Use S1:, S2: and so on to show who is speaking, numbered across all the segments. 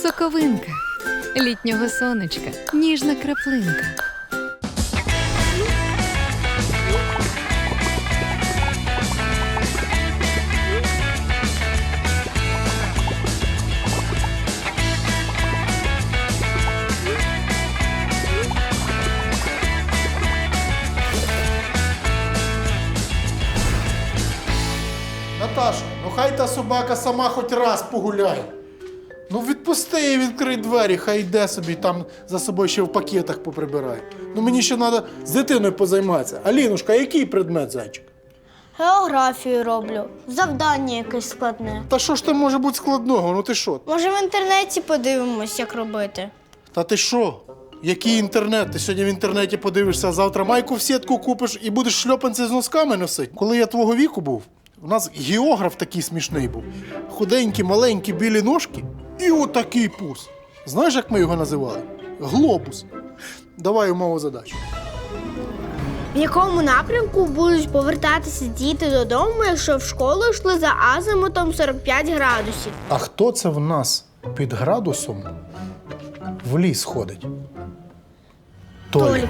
S1: Соковинка. Літнього сонечка. Ніжна краплинка.
S2: Наташа, ну хай та собака сама хоч раз погуляє. Ну відпусти її, відкрий двері, хай йде собі, там за собою ще в пакетах поприбирає. Ну мені ще треба з дитиною позайматися. Алінушка, який предмет, зайчик?
S3: Географію роблю. Завдання якесь складне.
S2: Та що ж там може бути складного, ну ти що?
S3: Може, в інтернеті подивимось, як робити?
S2: Та ти що? Який інтернет? Ти сьогодні в інтернеті подивишся, а завтра майку в сітку купиш і будеш шльопанці з носками носити. Коли я твого віку був, у нас географ такий смішний був. Худенькі, маленькі, білі ножки і отакий пус. Знаєш, як ми його називали? Глобус. Давай умову задачу.
S3: В якому напрямку будуть повертатися діти додому, якщо в школу йшли за азимутом 45 градусів?
S2: А хто це в нас під градусом в ліс ходить?
S3: Толік.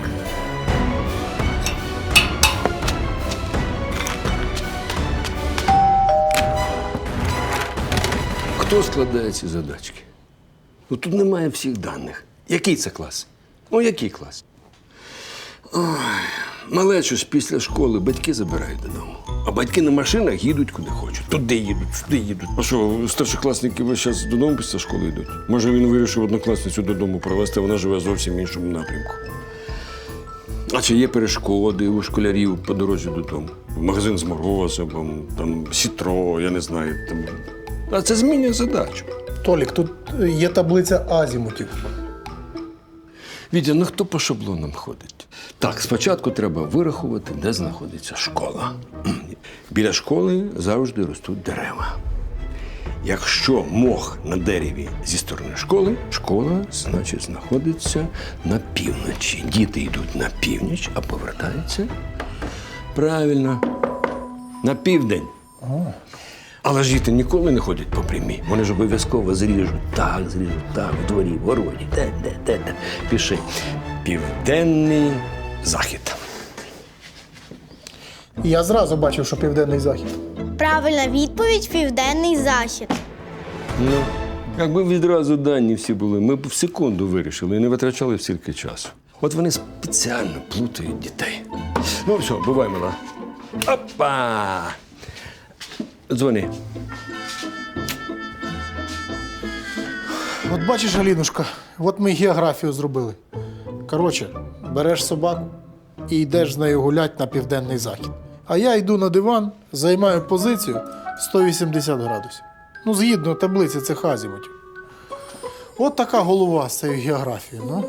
S4: Хто складає ці задачки? Ну, тут немає всіх даних. Який це клас? Ну, який клас? Ой, малечу ж після школи батьки забирають додому. А батьки на машинах їдуть куди хочуть. Туди їдуть, сюди їдуть. А що, старшокласники весь час додому після школи йдуть? Може, він вирішив однокласницю додому провести, вона живе зовсім в іншому напрямку. А чи є перешкоди у школярів по дорозі додому? Магазин з морозивом, там сітро, я не знаю. Там... А це змінює задачу.
S2: Толік, тут є таблиця азімутів.
S4: Вітя, ну хто по шаблонам ходить? Так, спочатку треба вирахувати, де знаходиться школа. Біля школи завжди ростуть дерева. Якщо мох на дереві зі сторони школи, школа, значить, знаходиться на півночі. Діти йдуть на північ, а повертаються правильно на південь. Але ж діти ніколи не ходять по прямій. Вони ж обов'язково зріжуть так, в дворі, в городі, де. Пиши. Південний захід.
S2: Я зразу бачив, що південний захід.
S3: Правильна відповідь – південний захід.
S4: Ну, якби відразу дані всі були, ми б в секунду вирішили і не витрачали стільки часу. От вони спеціально плутають дітей. Ну, все, бувай, мала. Опа! Дзвони.
S2: От бачиш, Алінушка, от ми географію зробили. Коротше, береш собаку і йдеш з нею гулять на південний захід. А я йду на диван, займаю позицію 180 градусів. Ну, згідно таблиці цих азімутів. От така голова з цією географією, ну.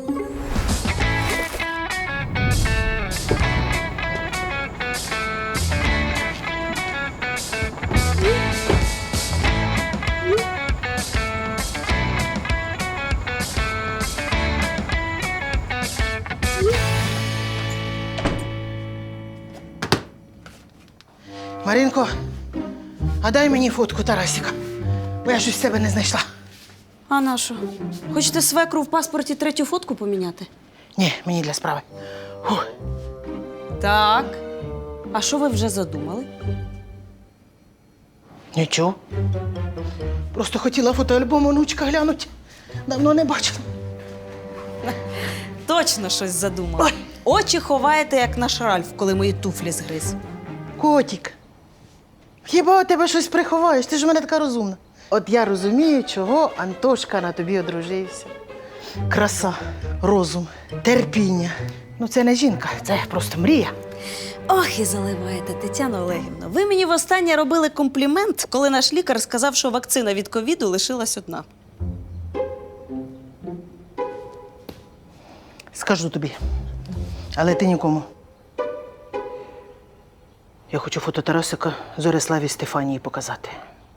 S5: Маринко, а дай мені фотку Тарасіка, бо я щось з себе не знайшла.
S6: А на що? Хочете свекру в паспорті третю фотку поміняти?
S5: Ні, мені для справи. Фух.
S6: Так. А що ви вже задумали?
S5: Нічого. Просто хотіла фотоальбом онучка глянути. Давно не бачила.
S6: Точно щось задумали.
S5: Ой.
S6: Очі ховаєте, як наш Ральф, коли мої туфлі згриз.
S5: Котік, хіба у тебе щось приховаєш? Ти ж у мене така розумна. От я розумію, чого Антошка на тобі одружився. Краса, розум, терпіння. Ну це не жінка, це просто мрія.
S6: Ох, і заливаєте, Тетяно Олегівно. Ви мені востаннє робили комплімент, коли наш лікар сказав, що вакцина від ковіду лишилась одна.
S5: Скажу тобі, але ти нікому. Я хочу фото Тарасика Зориславі Стефанії показати.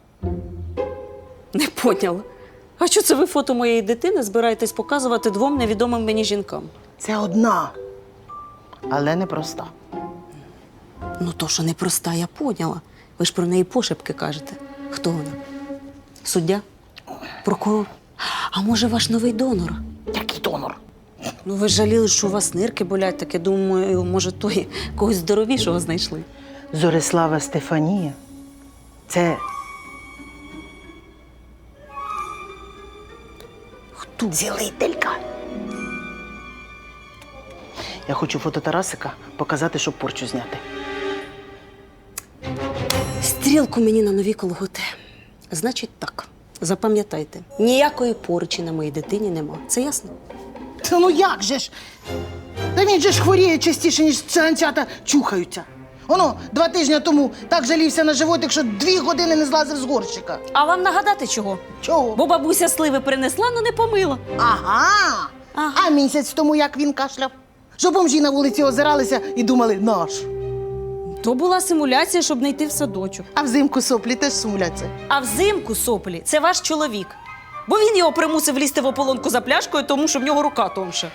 S6: Не поняла. А що це ви фото моєї дитини збираєтесь показувати двом невідомим мені жінкам?
S5: Це одна, але не проста.
S6: Ну, то, що непроста, я поняла. Ви ж про неї пошепки кажете. Хто вона? Суддя? Прокурор? А може, ваш новий донор?
S5: Який донор?
S6: Ну, ви ж жаліли, що у вас нирки болять, так я думаю, може, той когось здоровішого знайшли.
S5: Зорислава Стефанія. Це
S6: Хто?
S5: цілителька. Я хочу фото Тарасика показати, щоб порчу зняти.
S6: Стрілку мені на нові колготи. Значить так, запам'ятайте, ніякої порчі на моїй дитині нема. Це ясно?
S5: Та ну як же ж? Та він же ж хворіє частіше, ніж циганчата чухаються. Воно 2 тижні тому так жалівся на животик, що 2 години не злазив з горщика.
S6: А вам нагадати чого?
S5: Чого?
S6: Бо бабуся сливи принесла, але не помила.
S5: Ага. А місяць тому як він кашляв? Що бомжі на вулиці озиралися і думали наш.
S6: То була симуляція, щоб не йти в садочок.
S5: А взимку соплі теж сумляться.
S6: А взимку соплі це ваш чоловік. Бо він його примусив лізти в ополонку за пляшкою, тому що в нього рука тонша.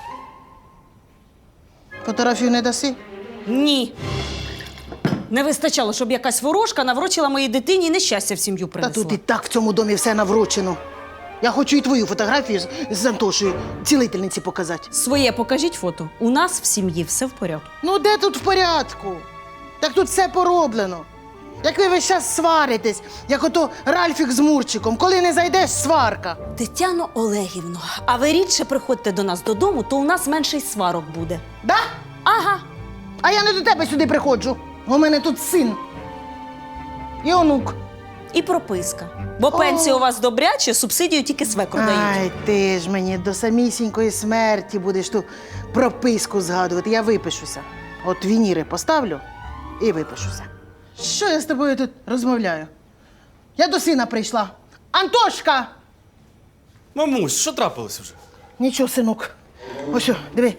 S5: Фотографію не даси?
S6: Ні. Не вистачало, щоб якась ворожка наврочила моїй дитині нещастя в сім'ю
S5: Та
S6: принесла.
S5: тут і так в цьому домі все наврочено. Я хочу і твою фотографію з Антошею цілительниці показати.
S6: Своє покажіть фото. У нас в сім'ї все в порядку.
S5: Ну де тут в порядку? Так тут все пороблено. Як ви весь час сваритесь, як ото Ральфік з Мурчиком. Коли не зайдеш, сварка.
S6: Тетяно Олегівно, а ви рідше приходьте до нас додому, то у нас менше й сварок буде.
S5: Да?
S6: Ага.
S5: А я не до тебе сюди приходжу. У мене тут син. І онук.
S6: І прописка. Бо пенсія у вас добряче, субсидію тільки свекру дають.
S5: Ай, ти ж мені до самісінької смерті будеш ту прописку згадувати. Я випишуся. От вініри поставлю і випишуся. Що я з тобою тут розмовляю? Я до сина прийшла. Антошка!
S7: Мамусь, що трапилося вже?
S5: Нічого, синок. Ось, що, диви.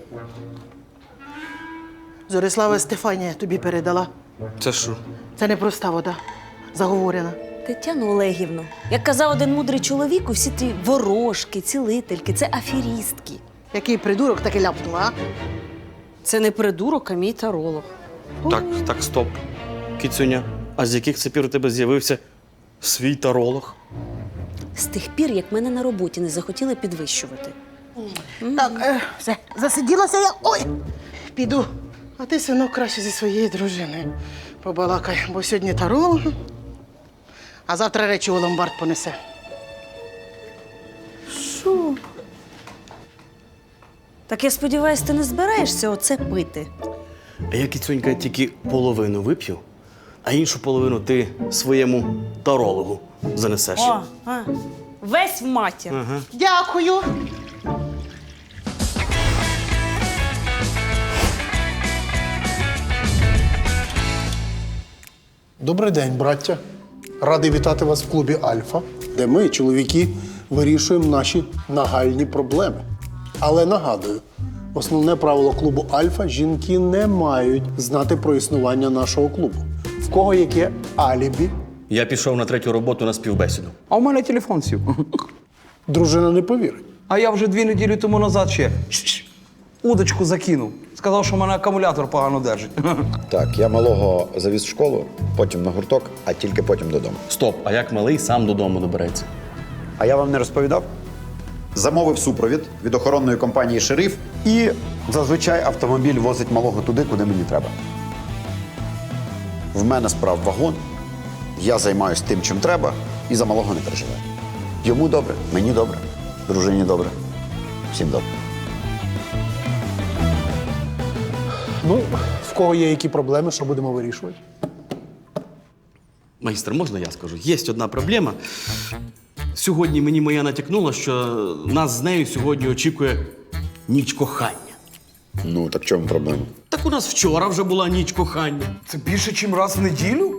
S5: Зорислава Стефанія тобі передала.
S7: Це що?
S5: Це не проста вода, заговорена.
S6: Тетяно Олегівно, як казав один мудрий чоловік, усі ті ворожки, цілительки – це аферістки.
S5: Який придурок таки ляпнув, а?
S6: Це не придурок, а мій таролог.
S7: Так, стоп. Кіцюня, а з яких це пір у тебе з'явився свій таролог?
S6: З тих пір, як мене на роботі не захотіли підвищувати.
S5: Так, все, засиділася я. Ой! Піду. А ти, синок, краще зі своєю дружиною побалакай, бо сьогодні таролог, а завтра речі у ломбард понесе.
S6: Що? Так я сподіваюся, ти не збираєшся оце пити?
S7: А я, кіцюнька, тільки половину вип'ю, а іншу половину ти своєму тарологу занесеш.
S6: Весь в матір.
S7: Ага.
S5: Дякую.
S2: Добрий день, браття. Радий вітати вас в клубі Альфа, де ми, чоловіки, вирішуємо наші нагальні проблеми. Але нагадую, основне правило клубу Альфа – жінки не мають знати про існування нашого клубу. В кого яке алібі,
S7: Я пішов на 3-ю роботу на співбесіду.
S8: А у мене телефон сів.
S2: дружина не повірить.
S8: А я вже 2 неділі тому назад ще удочку закинув. Сказав, що в мене акумулятор погано держить.
S9: Так, я малого завіз в школу, потім на гурток, а тільки потім додому.
S7: Стоп, а як малий сам додому добереться?
S9: А я вам не розповідав? Замовив супровід від охоронної компанії «Шериф» і зазвичай автомобіль возить малого туди, куди мені треба. В мене справ вагон, я займаюся тим, чим треба, і за малого не переживаю. Йому добре, мені добре, дружині добре, всім добре.
S2: Ну, в кого є які проблеми, що будемо вирішувати?
S7: Майстер, можна я скажу? Є одна проблема. Сьогодні мені моя натякнула, що нас з нею сьогодні очікує ніч кохання.
S9: Ну, так в чому проблема?
S7: Так у нас вчора вже була ніч кохання.
S8: Це більше, ніж раз в неділю?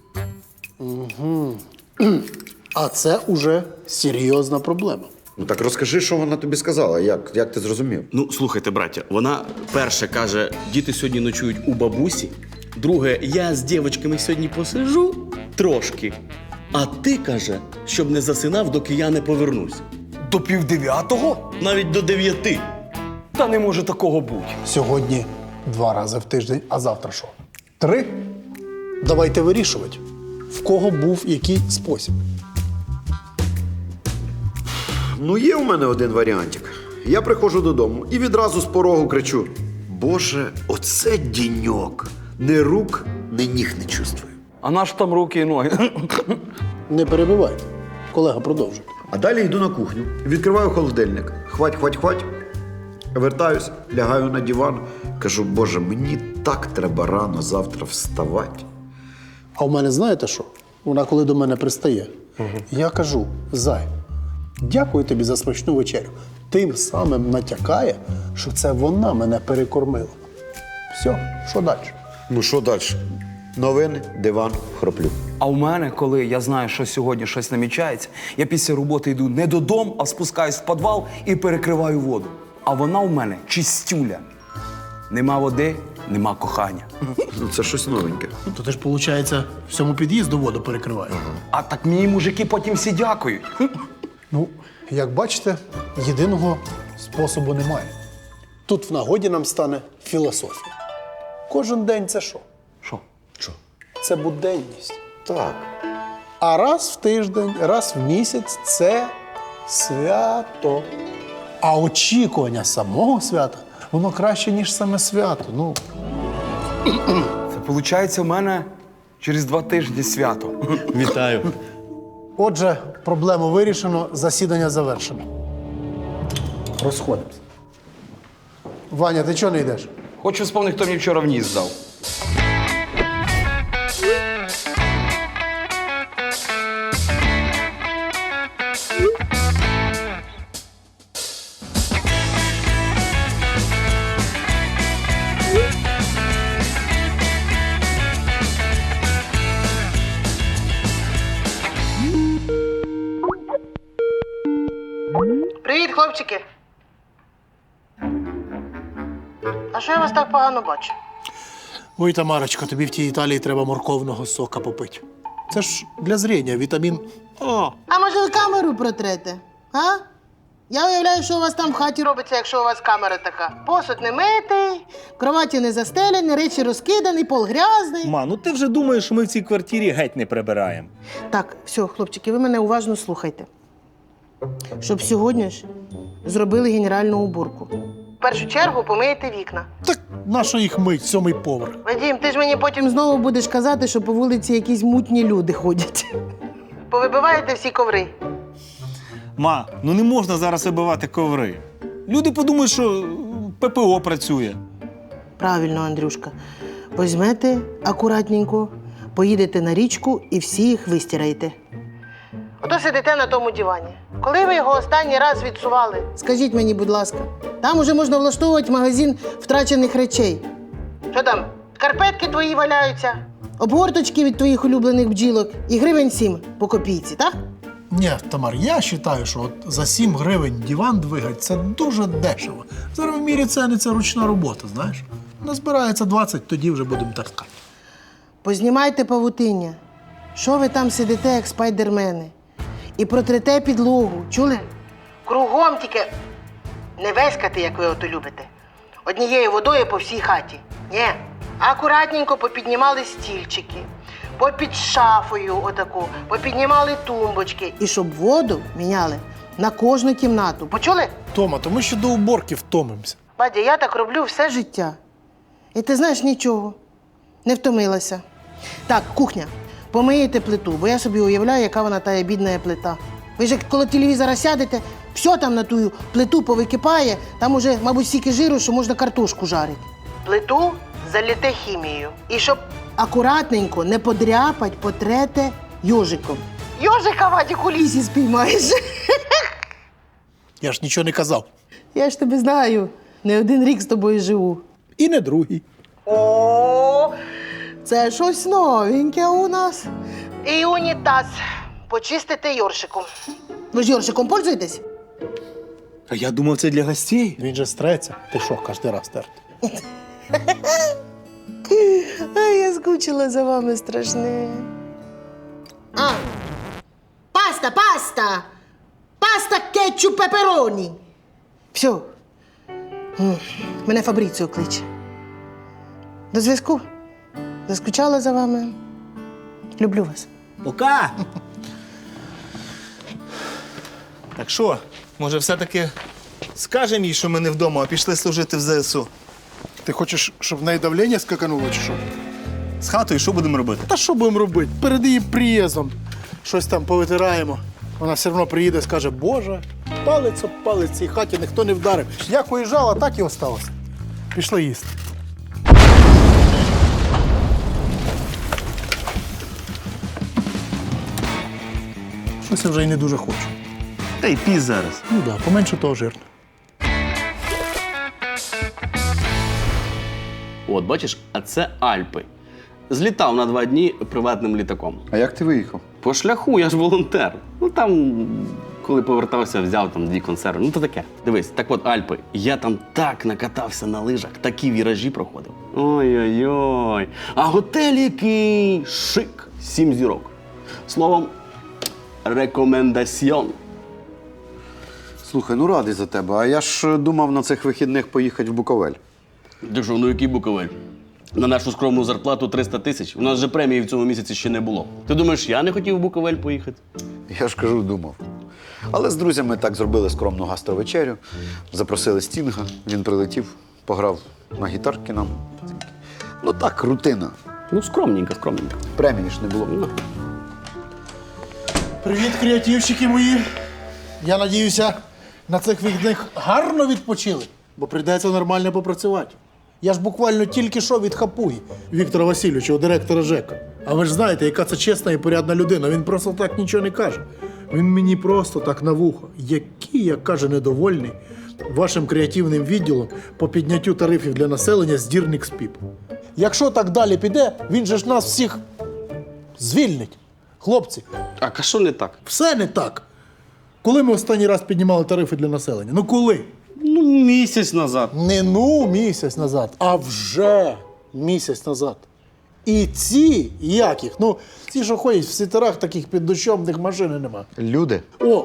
S2: А це уже серйозна проблема.
S9: Ну так розкажи, що вона тобі сказала, як ти зрозумів?
S7: Ну, слухайте, браття, вона перше каже, діти сьогодні ночують у бабусі. Друге, я з дівчатками сьогодні посижу трошки. А ти, каже, щоб не засинав, доки я не повернусь.
S8: До 8:30?
S7: Навіть до 9.
S8: Та не може такого бути.
S2: Сьогодні 2 рази в тиждень, а завтра що? 3? Давайте вирішувати, в кого був який спосіб.
S9: Ну, є у мене один варіантик. Я приходжу додому і відразу з порогу кричу: Боже, оце діньок. Ні рук, ні ніг не чувствую.
S8: А наш там руки і ноги.
S2: Не перебивайте. Колега, продовжуй.
S9: А далі йду на кухню, відкриваю холодильник. Хвать. Вертаюсь, лягаю на диван. Кажу, Боже, мені так треба рано завтра вставати.
S2: А у мене знаєте що? Вона коли до мене пристає, я кажу: Зай, дякую тобі за смачну вечерю. Тим самим натякає, що це вона мене перекормила. Все, що далі?
S9: Ну що далі? Новини, диван, хроплю.
S8: А у мене, коли я знаю, що сьогодні щось намічається, я після роботи йду не додому, а спускаюсь в підвал і перекриваю воду. А вона у мене чистюля. Нема води, нема кохання.
S9: Ну це щось новеньке.
S2: То ти ж, виходить, всьому під'їзду воду перекриваєш.
S8: А так мені мужики потім всі дякують.
S2: Ну, як бачите, єдиного способу немає. Тут в нагоді нам стане філософія. Кожен день це що?
S8: Що?
S2: Це буденність.
S9: Так.
S2: А раз в тиждень, раз в місяць це свято. А очікування самого свята, воно краще, ніж саме свято. Ну,
S8: Це виходить у мене через 2 тижні свято.
S7: Вітаю.
S2: отже, проблему вирішено, засідання завершено. Розходимося. Ваня, ти чого не йдеш?
S8: Хочу вспомнити, хто мені вчора в ніс дав.
S5: Привіт, хлопчики. А що я вас так погано бачу?
S2: Ой, Тамарочка, тобі в тій Італії треба морковного сока попити. Це ж для зріння, вітамін А.
S5: А може ви камеру протрете? А? Я уявляю, що у вас там в хаті робиться, якщо у вас камера така. Посуд не митий, кроваті не застелені, речі розкидані, пол грязний.
S10: Ма, ну ти вже думаєш, що ми в цій квартирі геть не прибираємо.
S5: Так, все, хлопчики, ви мене уважно слухайте. Щоб сьогодні ж зробили генеральну уборку. В першу чергу помиєте вікна.
S2: Так нащо їх мить, 7-й поверх?
S5: Вадім, ти ж мені потім знову будеш казати, що по вулиці якісь мутні люди ходять. Повибиваєте всі коври.
S10: Ма, ну не можна зараз вибивати коври. Люди подумають, що ППО працює.
S5: Правильно, Андрюшка. Возьмете акуратненько, поїдете на річку і всі їх вистираєте. Ото сидите на тому дивані. Коли ви його останній раз відсували? Скажіть мені, будь ласка. Там уже можна влаштовувати магазин втрачених речей. Що там? Карпетки твої валяються, обгорточки від твоїх улюблених бджілок і гривень 7 по копійці, так?
S2: Ні, Тамар, я вважаю, що от за 7 гривень диван двигать – це дуже дешево. Зараз в мірі ціни це ручна робота, знаєш. Назбирається 20, тоді вже будемо таскати.
S5: Познімайте павутиння. Що ви там сидите, як спайдермени? І протрете підлогу. Чули? Кругом тільки не веськати, як ви ото любите. Однією водою по всій хаті. Ні. Акуратненько попіднімали стільчики, попід шафою отаку, попіднімали тумбочки. І щоб воду міняли на кожну кімнату. Почули?
S2: Тома, то ми ще до уборки втомимося.
S5: Бадя, я так роблю все життя. І ти знаєш, нічого. Не втомилася. Так, кухня. Помиєте плиту, бо я собі уявляю, яка вона тая бідна плита. Ви ж як коло телевізора сядете, все там на ту плиту повикипає, там уже, мабуть, стільки жиру, що можна картошку жарити. Плиту заліте хімією. І щоб акуратненько не подряпать, потрете йожиком. Йожика, Вадік, у лісі спіймаєш.
S2: Я ж нічого не казав.
S5: Я ж тебе знаю. Не один рік з тобою живу.
S2: І не другий.
S5: О, це щось новеньке у нас. І унітаз. Почистите йоршиком. Ви ж йоршиком пользуєтесь?
S10: А я думав, це для гостей.
S2: Він же стреться. Ти що, кожен раз терти?
S5: Ай, я скучила за вами страшне. А, паста, паста! Паста, кетчуп, пепероні. Все. Мене Фабріціо кличе. До зв'язку. Заскучала за вами. Люблю вас.
S10: Пока! Так що, Може, все-таки скажемо їй, що ми не вдома, а пішли служити в ЗСУ?
S2: Ти хочеш, щоб в неї давлення скакануло чи що?
S10: З хатою що будемо робити?
S2: Та що будемо робити? Перед її приїздом щось там повитираємо. Вона все одно приїде і скаже, Боже, палець об палець в цій хаті ніхто не вдарив. Як уїжджала, так і осталося. Пішли їсти. Щось я вже й не дуже хочу.
S10: Та й пізь зараз.
S2: Ну так, да, поменше того жирно.
S7: От, бачиш, а це Альпи. Злітав на 2 дні приватним літаком.
S9: А як ти виїхав?
S7: По шляху, я ж волонтер. Ну там, коли повертався, взяв там 2 консерви. Ну то таке. Дивись, так от Альпи. Я там так накатався на лижах, такі віражі проходив. Ой-ой-ой. А готель який шик. 7 зірок. Словом, рекомендаціон.
S9: Слухай, ну радий за тебе. А я ж думав на цих вихідних поїхати в Буковель.
S7: Ти що, ну який Буковель? На нашу скромну зарплату 300 тисяч. У нас же премії в цьому місяці ще не було. Ти думаєш, я не хотів в Буковель поїхати?
S9: Я ж кажу, думав. Але з друзями так зробили скромну гастровечерю, запросили Стінга, він прилетів, пограв на гітарки нам. Ну так, рутина.
S7: Ну, скромненько, скромненько.
S9: Премії ж не було.
S7: Ну.
S2: Привіт, креативщики мої. Я надіюся, на цих вихідних гарно відпочили, бо прийдеться нормально попрацювати. Я ж буквально тільки що від хапуги Віктора Васильовича, директора ЖЕКа. А ви ж знаєте, яка це чесна і порядна людина. Він просто так нічого не каже. Він мені просто так на вухо. Який, як каже, недовольний вашим креативним відділом по підняттю тарифів для населення з дірник з піп. Якщо так далі піде, він же ж нас всіх звільнить. Хлопці,
S7: А що не так?
S2: все не так. Коли ми останній раз піднімали тарифи для населення? Ну коли?
S7: Ну, місяць назад.
S2: Не місяць назад, а вже місяць назад. І ці, як їх? Ну, ці, що ходять в світерах таких під дощом, в них машини нема.
S9: Люди.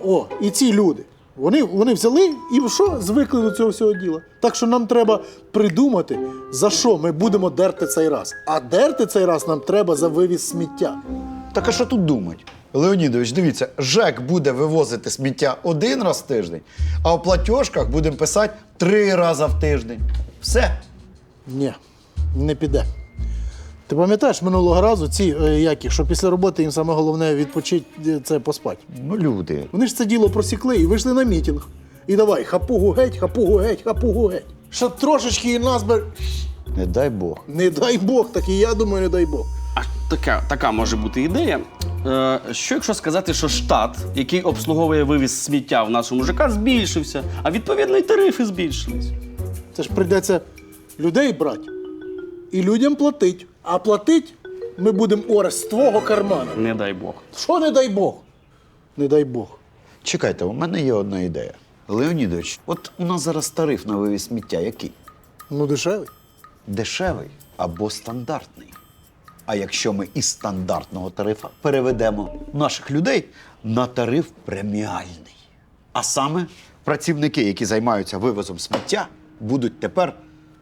S2: І ці люди. Вони взяли і що? Звикли до цього всього діла. Так що нам треба придумати, за що ми будемо дерти цей раз. А дерти цей раз нам треба за вивіз сміття.
S9: Так а що тут думать? Леонідович, дивіться, ЖЕК буде вивозити сміття 1 раз в тиждень, а в платіжках будемо писати 3 рази в тиждень. Все.
S2: Ні, не піде. Ти пам'ятаєш минулого разу ці, що після роботи їм саме головне відпочити, це поспати.
S9: Ну, люди.
S2: Вони ж це діло просікли і вийшли на мітинг. І давай, хапугу геть, хапугу геть, хапугу геть. Щоб трошечки і нас би...
S9: Не дай Бог.
S2: Не дай Бог, так і я думаю, не дай Бог.
S7: А така може бути ідея. Що якщо сказати, що штат, який обслуговує вивіз сміття в нашому ЖК, збільшився, а відповідно і тарифи збільшились.
S2: Це ж прийдеться людей брати і людям платити. А платить ми будемо Орес з твого кармана.
S7: Не дай Бог.
S2: Що не дай Бог? Не дай Бог.
S9: Чекайте, у мене є одна ідея. Леонідович, от у нас зараз тариф на вивіз сміття який?
S2: Ну, дешевий.
S9: Дешевий або стандартний. А якщо ми із стандартного тарифа переведемо наших людей на тариф преміальний. А саме працівники, які займаються вивозом сміття, будуть тепер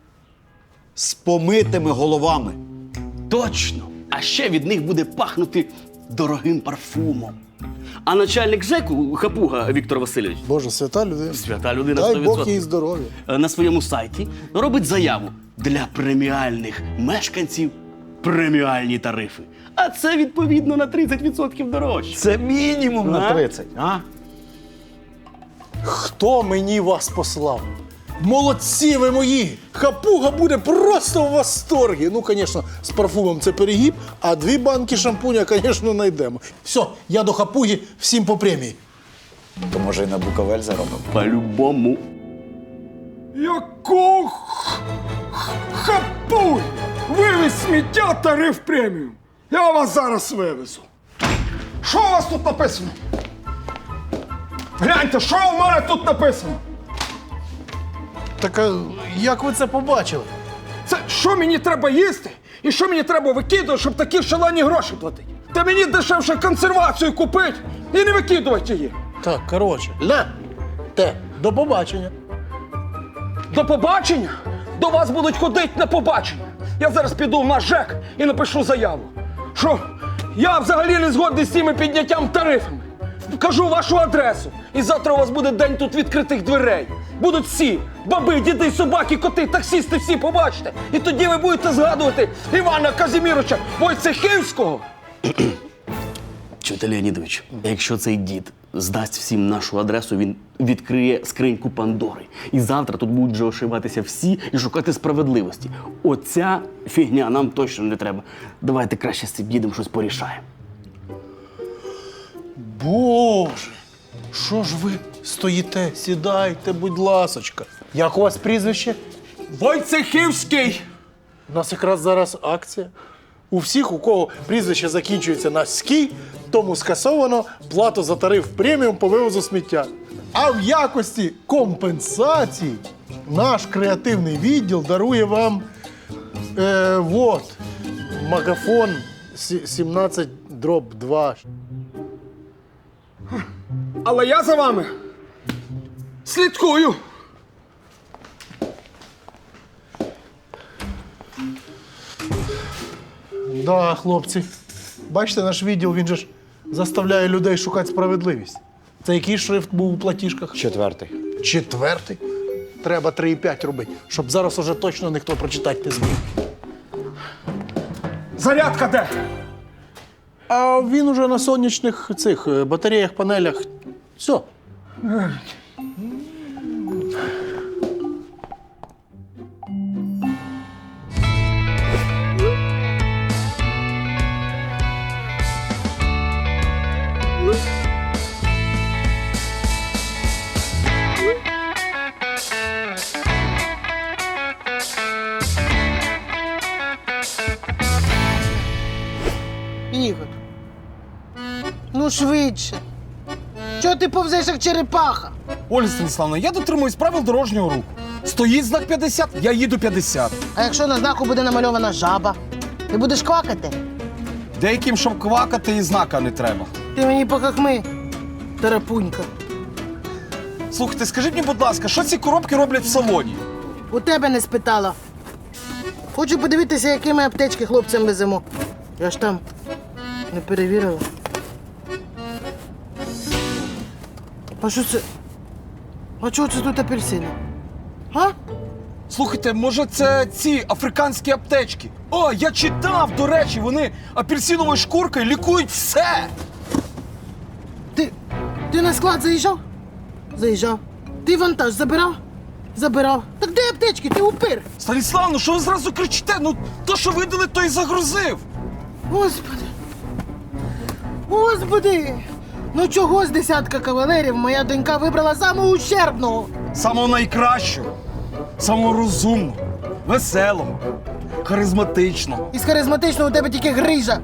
S9: з помитими головами.
S7: Точно! А ще від них буде пахнути дорогим парфумом. А начальник ЖЕКу, хапуга Віктор Васильович,
S2: Боже, свята людина.
S7: свята людина
S2: Дай
S7: 100%,
S2: Бог їй здоров'я.
S7: на своєму сайті робить заяву для преміальних мешканців преміальні тарифи. А це відповідно на 30% дорожче.
S9: Це мінімум на
S7: А?
S9: 30, а?
S2: Хто мені вас послав? Молодці ви мої! Хапуга буде просто в восторгі. Ну, звісно, з парфумом це перегіб, а 2 банки шампуня, звісно, знайдемо. Все, я до хапуги, всім по премії.
S9: То може і на Буковель заробимо.
S7: По-любому.
S11: Яку хапуй! Вивіз сміття, тариф преміум. Я вас зараз вивезу. Що у вас тут написано? Гляньте, що у мене тут написано?
S2: Так, а як ви це побачили?
S11: Це що мені треба їсти і що мені треба викидувати, щоб такі шалені гроші платити? Та мені дешевше консервацію купити і не викидувати її.
S2: Так, коротше, до побачення.
S11: До побачення? До вас будуть ходити на побачення. Я зараз піду в наш ЖЕК і напишу заяву, що я взагалі не згодний з цими підняттям тарифами. вкажу вашу адресу. І завтра у вас буде день тут відкритих дверей. Будуть всі. Баби, діди, собаки, коти, таксісти, всі побачите. І тоді ви будете згадувати Івана Казіміровича Войцехівського.
S7: Чуєте, Леонідович, якщо цей дід здасть всім нашу адресу, він відкриє скриньку Пандори. І завтра тут будуть вже ошиватися всі і шукати справедливості. Оця фігня нам точно не треба. Давайте краще з цим дідом щось порішаємо.
S2: Боже, що ж ви стоїте? Сідайте, будь ласочка. Як у вас прізвище?
S11: Войцехівський!
S2: У нас якраз зараз акція. У всіх, у кого прізвище закінчується на «ський», тому скасовано плату за тариф преміум по вивозу сміття. А в якості компенсації наш креативний відділ дарує вам магафон 17/2.
S11: Але я за вами слідкую.
S2: Да, хлопці. Бачите, наш відділ, він же ж заставляє людей шукати справедливість. Це який шрифт був у платіжках?
S9: 4.
S2: 4. Треба 3,5 робити, щоб зараз уже точно ніхто прочитати не зміг.
S11: Зарядка де?
S2: А він уже на сонячних цих батареях, панелях. Все.
S5: Ігор, ну швидше. Чого ти повзеш, як черепаха?
S10: Ольга Станіславовна, я дотримуюсь правил дорожнього руху. Стоїть знак 50, я їду 50.
S5: А якщо на знаку буде намальована жаба, ти будеш квакати?
S10: Деяким, щоб квакати, і знака не треба.
S5: Ти мені похахми, тарапунька.
S10: Слухайте, скажіть мені, будь ласка, що ці коробки роблять в салоні?
S5: У тебе не спитала. Хочу подивитися, які ми аптечки хлопцям веземо. Я ж там не перевірила. А що це? А чого це тут апельсини? А?
S10: Слухайте, може це ці африканські аптечки? О, я читав, до речі, вони апельсиновою шкуркою лікують все.
S5: Ти на склад заїжджав? Заїжджав. Ти вантаж забирав? Забирав. Так де аптечки? Ти упир.
S10: Станіславно, що ви зразу кричите? Ну, то, що видали, то і загрузив.
S5: Господи. Господи. Ну чого з десятка кавалерів моя донька вибрала самого ущербного?
S10: Самого найкращого, самого розумного, веселого, харизматичного.
S5: Із харизматичного у тебе тільки грижа.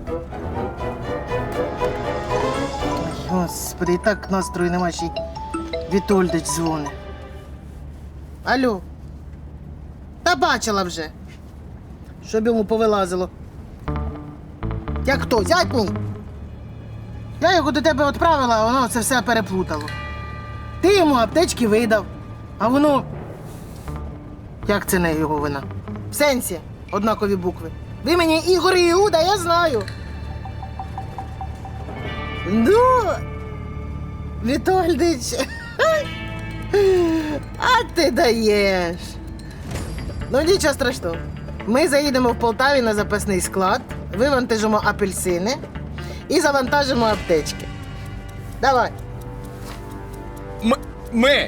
S5: Господи, і так настрою нема, ще й Вітольдич дзвонить. Алло. Та бачила вже. Щоб йому повилазило. Як хто, зять мій? Я його до тебе відправила, а воно це все переплутало. Ти йому аптечки видав, а воно... Як це не його вина? В сенсі однакові букви. Ви мені Ігор і Іуда, я знаю. Ну, Вітольдич, а ти даєш. Ну, нічого страшного. Ми заїдемо в Полтаві на запасний склад, вивантажимо апельсини і завантажимо аптечки. Давай.
S10: Ми?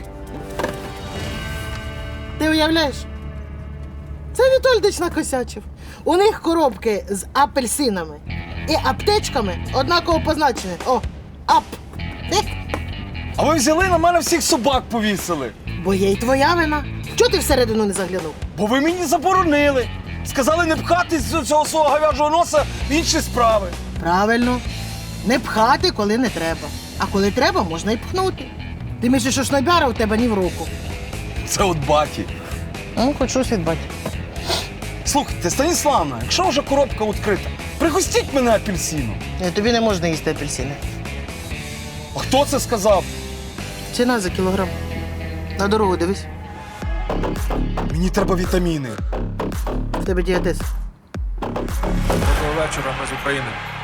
S5: Ти уявляєш? Це Вітольдич накосячив. У них коробки з апельсинами і аптечками однаково позначені. О, ап.
S10: А ви взяли на мене всіх собак повісили.
S5: Бо є й твоя вина. Чого ти всередину не заглянув?
S10: Бо ви мені заборонили. Сказали не пхати з цього свого говяжого носа в інші справи.
S5: Правильно. Не пхати, коли не треба. А коли треба, можна і пхнути. Ти мислиш, що шнобяра у тебе ні в руку.
S10: Це от баті.
S5: Ну, хоч щось від батька.
S10: Слухайте, Станіславна, якщо вже коробка відкрита, пригостіть мене апельсином.
S5: Ні, тобі не можна їсти апельсини.
S10: А хто це сказав?
S5: Ціна за кілограм. На дорогу дивись.
S10: Мені треба вітаміни.
S5: В тебе діатез.
S12: Доброго вечора, ми з України.